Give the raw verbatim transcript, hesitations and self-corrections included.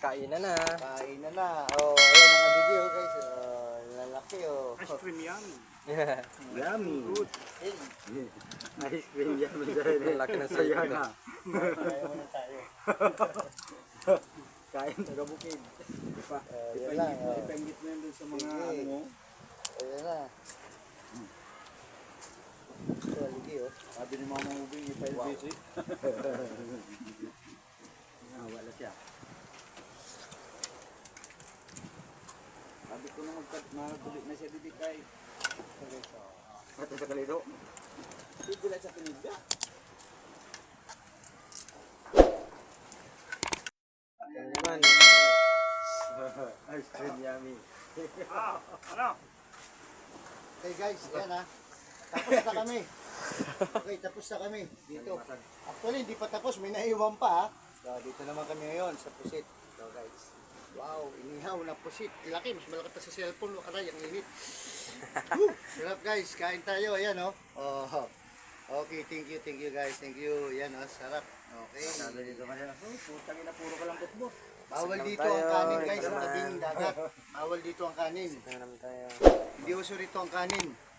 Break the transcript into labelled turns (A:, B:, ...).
A: kainan na.
B: Kain na na. Oh, ayan ang nagigil oh, guys. Oh, lalaki oh.
C: Ice cream yummy.
B: Yummy.
C: Good.
B: Ice cream yummy dahil.
A: Ang laki ng sayo
B: Ayan
A: na.
B: na. Kaya muna tayo. Kain taga bukid.
C: Ipa,
B: Uh, yan lang. Oh.
C: ipengit mo yan dun sa mga
B: Sige.
C: ano mo.
B: Ayan na. Ito, ligi oh.
C: Sabi ni Mama Ubing, ipa-L B C.
B: Ah, wala siya.
C: Sabi ko na magtuloy na siya bibigay.
B: Ito sa kalido.
C: Bibigay sa pinigda.
A: Yan naman.
B: Ice cream yummy.
C: Ah, ano?
B: Okay guys, yan ha. Tapos na kami. Okay, tapos na kami dito. Actually, hindi pa tapos. May naiwan pa ha. So, dito naman kami ngayon sa pusit. So guys. Wow, inihaw na pusit. Laki, mas malaki pa sa cellphone. Aray, ang init. Woo! Sarap guys, kain tayo. Ayan oh. Oh. Okay, thank you, thank you guys. Thank you. Yan oh, sarap. Okay.
C: Sabi dito kanina, oh, putang ina, puro ka lang tutbo.
B: Bawal
A: Sakang
B: dito
A: tayo,
B: ang kanin guys,
A: ito
B: sa
A: naman.
B: tabing dagat. Bawal dito ang kanin.
A: Tingnan naman tayo.
B: Hindi uso rito ang kanin.